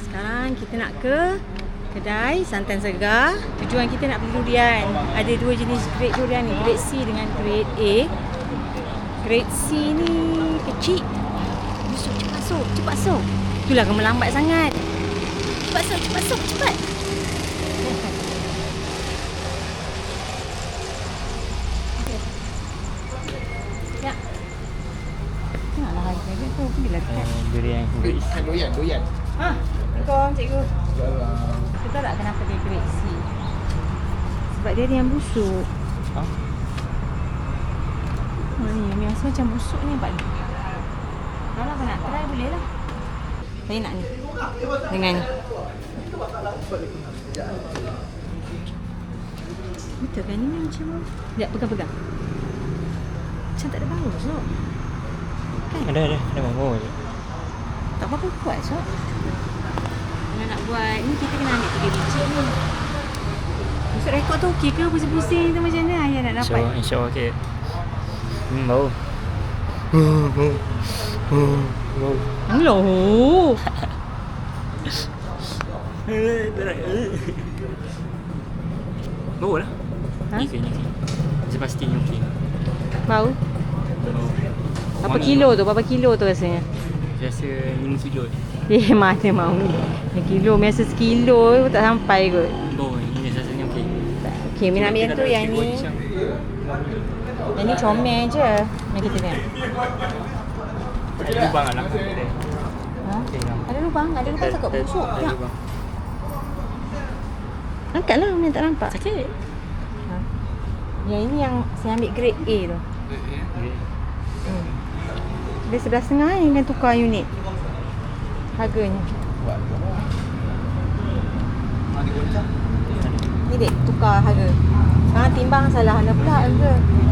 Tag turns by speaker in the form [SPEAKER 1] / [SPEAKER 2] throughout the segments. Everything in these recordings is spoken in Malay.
[SPEAKER 1] Sekarang kita nak ke kedai Santan Segar. Tujuan kita nak beli durian. Ada dua jenis grade durian ni, grade C dengan grade A. Grade C ni kecil. Busuk, cepat masuk. Itulah kamu lambat sangat. Cepat masuk, cepat. Ya. Tengoklah harga dia tu. Bila dekat.
[SPEAKER 2] Durian grade C.
[SPEAKER 3] Doyan.
[SPEAKER 1] Assalamualaikum cikgu. Kita tahu tak kenapa dia grade C? Sebab dia ada yang busuk.
[SPEAKER 2] Ha?
[SPEAKER 1] Ni biasa macam busuk ni nampak ni. Kalau kau nak try boleh lah. Saya nak ni. Dengan ni. Betul kan ni macam sekejap pegang-pegang. Macam tak ada bau Sok. Kan?
[SPEAKER 2] Ada bau je.
[SPEAKER 1] Tak apa-apa kuat Sok. Kalau nak buat ni kita kena ambil 3 biji ni. Masuk rekod tu okey ke? Pusing-pusing tu macam mana ayah nak dapat?
[SPEAKER 2] InsyaAllah okey. Bau.
[SPEAKER 1] Alah.
[SPEAKER 2] Bau lah.
[SPEAKER 1] Ha?
[SPEAKER 2] Ni ke. Saya pastinya okey.
[SPEAKER 1] Bau?
[SPEAKER 2] Bau.
[SPEAKER 1] Berapa kilo tu? Berapa kilo tu rasanya?
[SPEAKER 2] Saya rasa 5 kilo.
[SPEAKER 1] Mana mau ni? Kilo, biasa sekilo tak sampai kot.
[SPEAKER 2] Bau ni rasanya okey.
[SPEAKER 1] Okey, Min ambil yang tu, yang ni. Yang ni comel je. Yang kita tengok.
[SPEAKER 2] Ada lubang lah.
[SPEAKER 1] Ha? Ada lubang? Ada lubang takut busuk. Tak. Angkatlah, Min tak nampak.
[SPEAKER 2] Sakit.
[SPEAKER 1] Ha? Yang ini yang saya ambil grade A tu. Dia 11.5 ni, kan tukar unit harganya. Ni dek, tukar harga. Sekarang timbang salah mana pula harga.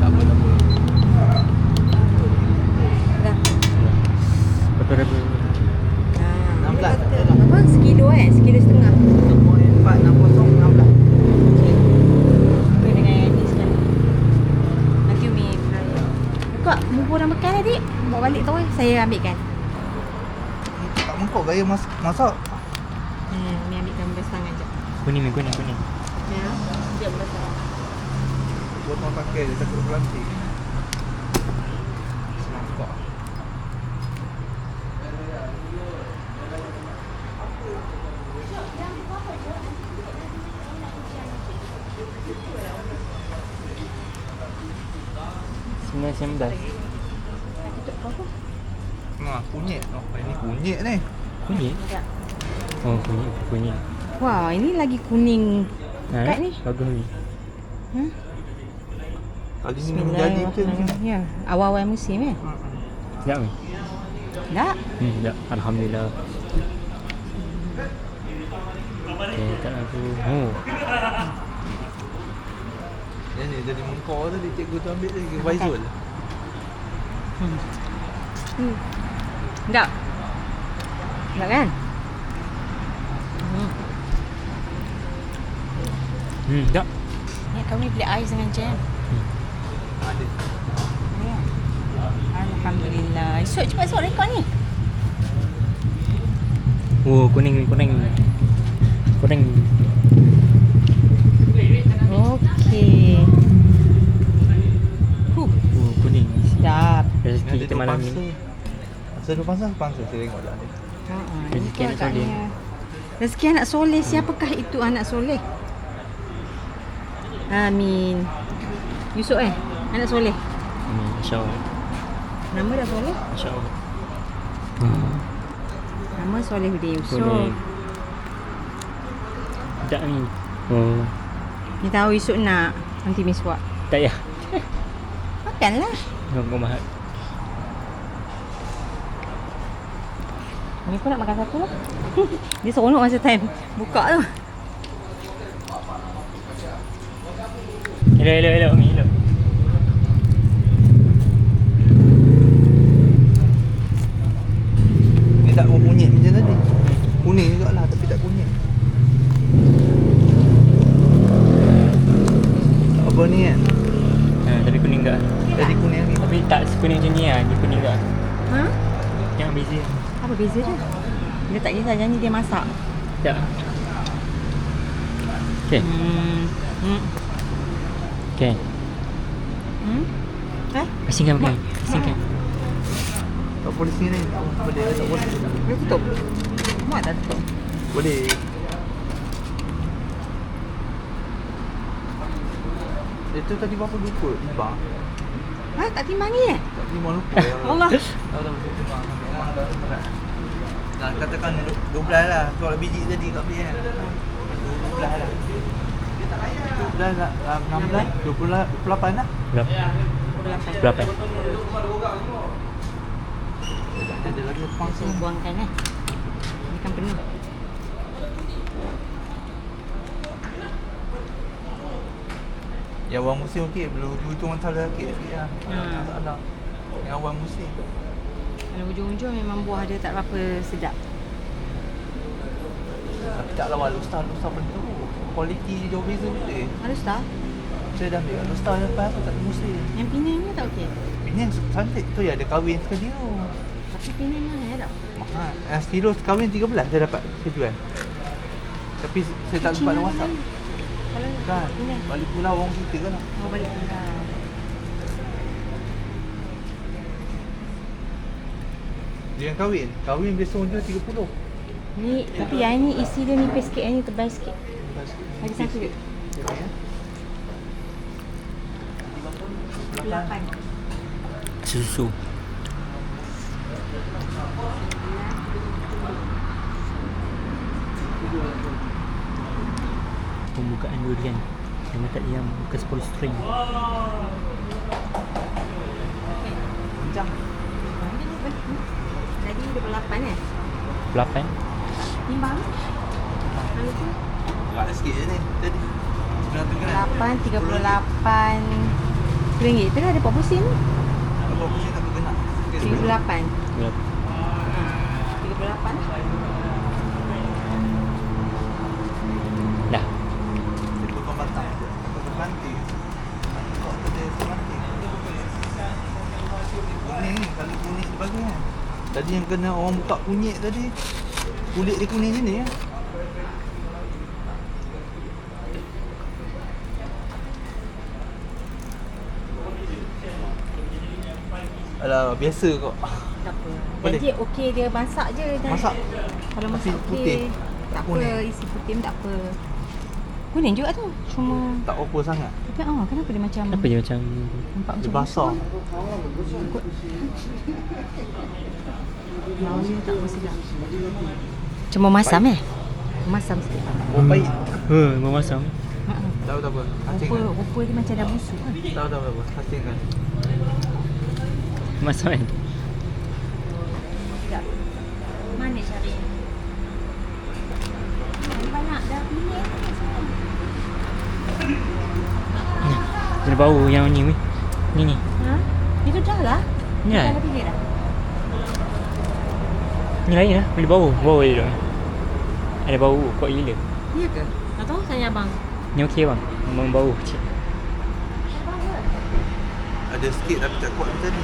[SPEAKER 1] Dah.
[SPEAKER 2] Berapa ribu?
[SPEAKER 1] Ha, dia kata apa? Sekilo sekilo setengah.
[SPEAKER 3] 460 16.
[SPEAKER 1] Okey. Okey dengan yang ni sekali. Nanti Umi flyer. Buka bubur dan bekal adik. Bawa balik tau saya ambilkan.
[SPEAKER 3] Tak mengkok gaya masak.
[SPEAKER 1] Ni ambilkan beras tangan jap.
[SPEAKER 2] Kuning.
[SPEAKER 1] Ya. Jap beras tangan.
[SPEAKER 3] Potong pakai dia takut plastik. Mangkok.
[SPEAKER 2] $9.19.
[SPEAKER 3] Kunyit. Oh, ini kunyit ni.
[SPEAKER 2] Kunyit?
[SPEAKER 1] Ya.
[SPEAKER 2] Oh, kunyit.
[SPEAKER 1] Wah, ini lagi kuning. Kat ni.
[SPEAKER 2] Bagus ni.
[SPEAKER 3] Kali ni menjadi ke macam ni?
[SPEAKER 1] Ya, awal-awal musim
[SPEAKER 2] Sedap ni?
[SPEAKER 1] Tak?
[SPEAKER 2] Sedap. Alhamdulillah. Okay, tak aku. Oh.
[SPEAKER 3] Yang ni jadi mengkok tadi cikgu tu ambil lagi Faizul.
[SPEAKER 1] Sedap. Sedap kan?
[SPEAKER 2] Sedap.
[SPEAKER 1] Ni kami beli ais dengan jam.
[SPEAKER 3] Ada.
[SPEAKER 1] Ya. Alhamdulillah. Esok cepat esok rekod ni.
[SPEAKER 2] Oh, kuning.
[SPEAKER 1] Okey.
[SPEAKER 2] Oh, kuning.
[SPEAKER 1] Sedap.
[SPEAKER 2] Rezeki kita malam ni.
[SPEAKER 3] Masa tu pasal saya tengok dah ada.
[SPEAKER 2] Rezeki anak soleh.
[SPEAKER 1] Rezeki anak soleh. Siapakah itu anak soleh? Amin. Yusuf anak soleh.
[SPEAKER 2] InsyaAllah.
[SPEAKER 1] Nama dah soleh.
[SPEAKER 2] InsyaAllah.
[SPEAKER 1] Nama Solehuddin Yusof.
[SPEAKER 2] Kuning. Sedap ni. Oh.
[SPEAKER 1] Ni tahu Yusuf nak anti miswak.
[SPEAKER 2] Tak payah.
[SPEAKER 1] Makanlah.
[SPEAKER 2] Kau mahal.
[SPEAKER 1] Ni pun nak makan satu lah. Dia seronok masa time buka tu.
[SPEAKER 2] Elok Umi, elok.
[SPEAKER 3] Ni tak mau kunyit macam tadi. Kuning jugalah tapi tak kunyit. Apa ni kan?
[SPEAKER 2] Tadi kuning tak?
[SPEAKER 3] Tadi kuning ni.
[SPEAKER 2] Tapi tak sekuning macam ni lah. Ni kuning tak?
[SPEAKER 1] Ha?
[SPEAKER 2] Yang beza.
[SPEAKER 1] Apa beza dia? Dia tak kisah janji dia masak.
[SPEAKER 2] Tak. Okay. Okay. Asingkan pakai. Asingkan.
[SPEAKER 3] Tak boleh sini. Boleh tak boleh.
[SPEAKER 1] Dia tutup. Muat dah tutup.
[SPEAKER 3] Boleh. Itu tadi berapa lupa? Timbang.
[SPEAKER 1] Tak timbang ni eh?
[SPEAKER 3] Tak timbang lupa.
[SPEAKER 1] Allah.
[SPEAKER 3] Tahu timbang. Memang dah berat. Dah katakan 12 lah. Kalau biji tadi kat beli kan. 12 lah. 12 lah. 16, 28 lah.
[SPEAKER 2] Berapa?
[SPEAKER 3] Ada lagi tepang
[SPEAKER 1] So, buangkan eh. Ini kan penuh.
[SPEAKER 3] Yang awal musim okey, belum hujung antara sikit lah. Masalah. Yang awal musim.
[SPEAKER 1] Kalau hujung-hujung memang buah dia tak berapa sedap.
[SPEAKER 3] Tapi tak lawan Lustar bentuk. Kualiti dia jauh beza betul.
[SPEAKER 1] Halus tak?
[SPEAKER 3] Saya dah ambil Lustar lepas aku tak ada musim.
[SPEAKER 1] Yang Penang ni tak okey?
[SPEAKER 3] Ini yang cantik tu ya, ada kahwin sekali tu.
[SPEAKER 1] Tapi Penang mahal tak?
[SPEAKER 3] Mahal. Yang stilo kahwin 13 saya dapat saya jual. Tapi saya tak sempat nak WhatsApp.
[SPEAKER 1] Kalau
[SPEAKER 3] Kan?
[SPEAKER 1] Penang.
[SPEAKER 3] Balik pulau orang kita kan.
[SPEAKER 1] Oh, balik pulau.
[SPEAKER 3] Dia yang kahwin. Kahwin biasa orang jual 30.
[SPEAKER 1] Ni, tapi yang ni isi dia nipis sikit, yang ni tebal sikit. Lagi satu je. 8.
[SPEAKER 2] Susu. Pembukaan durian. Yang tak yang bekas polystyrene.
[SPEAKER 3] Macam
[SPEAKER 1] Tadi 28 eh?
[SPEAKER 2] 8.
[SPEAKER 1] Timbang. Kalau tu
[SPEAKER 3] berat sikit je ni. Tadi. Sebenarnya tu kan.
[SPEAKER 1] 8, 38 RM tu dah ada 40 sen.
[SPEAKER 3] Apa pusing tak berkena.
[SPEAKER 1] 38.
[SPEAKER 2] Berapa?
[SPEAKER 1] 38.
[SPEAKER 2] Dah.
[SPEAKER 3] Dia potong batang. Potong ranting. Kau ada ranting. Kuning ni, kalau kuning sebagai kan. Tadi yang kena orang buka kunyit tadi. Kulit dia kuning sini ya. Alah, biasa kok.
[SPEAKER 1] Tak apa.
[SPEAKER 3] Boleh.
[SPEAKER 1] Jadi okey dia masak je.
[SPEAKER 3] Masak.
[SPEAKER 1] Kalau
[SPEAKER 3] Tapi
[SPEAKER 1] masak
[SPEAKER 3] putih.
[SPEAKER 1] okey. Tak apa,
[SPEAKER 3] Kuning.
[SPEAKER 1] isi putih pun tak apa. Kuning juga tu. Cuma
[SPEAKER 3] Tak apa sangat.
[SPEAKER 1] tapi kenapa dia macam
[SPEAKER 2] Kenapa dia macam
[SPEAKER 1] nampak
[SPEAKER 3] Dia
[SPEAKER 1] macam
[SPEAKER 3] basah.
[SPEAKER 1] bau dia tak apa sedap. Cuma masam eh? Masam sikit.
[SPEAKER 3] Oh, pahit.
[SPEAKER 2] memasam?
[SPEAKER 3] Tahu tak apa. Acingkan.
[SPEAKER 1] Rupa dia macam dah busuk kan?
[SPEAKER 3] Tahu tak apa. Acingkan.
[SPEAKER 2] Memasam kan?
[SPEAKER 1] Sedap. Mana cari? Banyak dah pilih.
[SPEAKER 2] Ada bau yang ni weh. Ni.
[SPEAKER 1] Ha? Itu dah lah.
[SPEAKER 2] Ni lah.
[SPEAKER 1] Dah pilih dah.
[SPEAKER 2] Ni lain lah. Boleh bau. Bau dia tu. Ada bau kuat gila.
[SPEAKER 1] Ya ke? Tak tahu tanya abang.
[SPEAKER 2] Ni okey bang. Memang bau kecil.
[SPEAKER 3] Ada sikit tapi tak kuat macam ni.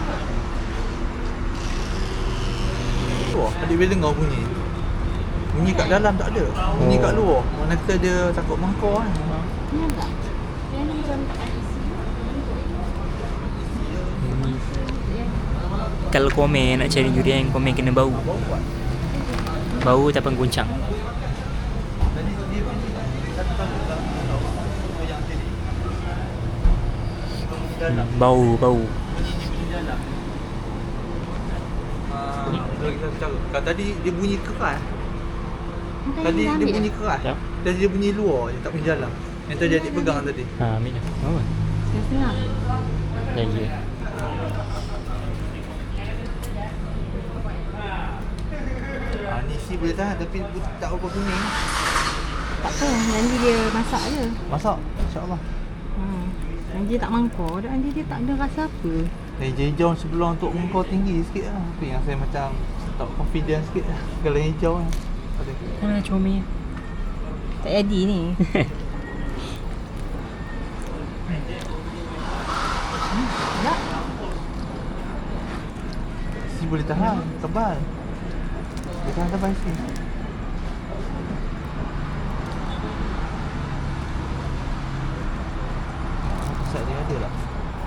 [SPEAKER 3] Wah, adik bila dengar bunyi. Bunyi kat dalam tak ada. Bunyi kat luar. Mana kata dia takut mangkor kan.
[SPEAKER 1] Ni tak? Yang ni macam
[SPEAKER 2] Kalau komen nak cari durian, komen kena bau. Bau tak pengguncang.
[SPEAKER 3] Tadi dia bunyi satu kali dalam goyang sini. Dalam.
[SPEAKER 2] Bau.
[SPEAKER 3] Dalam. Kalau tadi dia bunyi keras. Tadi dia bunyi keras.
[SPEAKER 2] Ya.
[SPEAKER 3] Tadi dia bunyi luar je, tak bunyi dalam. Yang tadi adik pegang tadi.
[SPEAKER 2] Ambil dah. Bau kan?
[SPEAKER 1] Setengah.
[SPEAKER 2] Lagi.
[SPEAKER 3] Ni si boleh tahan tapi tak apa kuning.
[SPEAKER 1] Tak apa, nanti dia masak je.
[SPEAKER 3] Masak, insya-Allah.
[SPEAKER 1] Nanti dia tak mangkor, nanti dia tak ada rasa apa.
[SPEAKER 3] Hijau sebelum untuk mengkau tinggi sikit lah. Tapi yang saya macam tak confident sikit lah. Kalau hijau kan. Ada.
[SPEAKER 2] Comel.
[SPEAKER 1] Tak jadi ni. Tak.
[SPEAKER 3] Si boleh tahan, tebal. Tekan sampai sini. Set dia ada tak?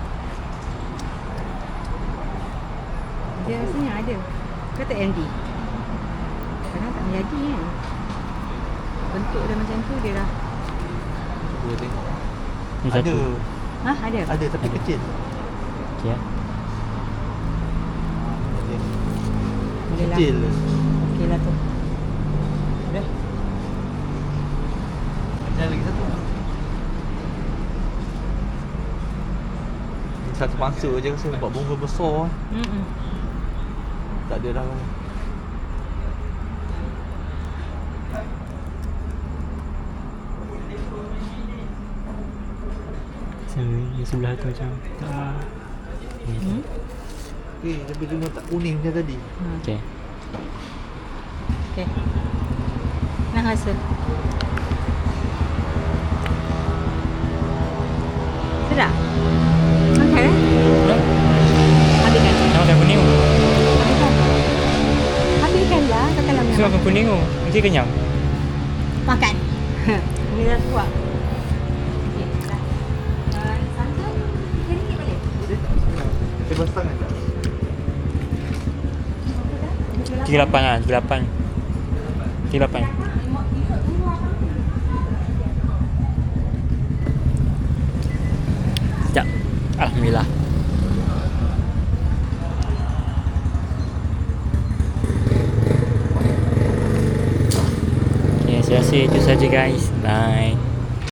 [SPEAKER 1] Dia rasanya ada. Kata MD. Kadang tak menjadi kan. Bentuk dia macam tu dia dah.
[SPEAKER 3] Cuba tengok.
[SPEAKER 2] Ni
[SPEAKER 3] Ada.
[SPEAKER 2] satu.
[SPEAKER 1] Ada.
[SPEAKER 3] Ada tapi
[SPEAKER 2] Ada.
[SPEAKER 3] kecil.
[SPEAKER 2] Okey ya.
[SPEAKER 1] Boleh lah.
[SPEAKER 3] Kecil.
[SPEAKER 1] Okey lah tu.
[SPEAKER 3] Eh. Ada lagi satu. Satu mangsa je rasa nampak bunga besar. Tak ada dah.
[SPEAKER 2] Di sebelah tu macam.
[SPEAKER 3] Tapi dia tak kuning macam tadi.
[SPEAKER 2] Okey.
[SPEAKER 1] Okey. Nak rasa. Sedap. Okey. Habiskan.
[SPEAKER 2] Nak makan kuning tu.
[SPEAKER 1] Habiskan. Habiskan lah. Katalah
[SPEAKER 2] Saya
[SPEAKER 1] memang.
[SPEAKER 2] makan kuning tu. Nanti kenyang.
[SPEAKER 1] Makan. Ini dah kuat. Okey, dah. Santan, RM3 boleh?
[SPEAKER 3] Bebas tangan tak?
[SPEAKER 2] 38 lah, 38. 38. Sekejap. Alhamdulillah. Okay, saya rasa itu saja guys. Bye.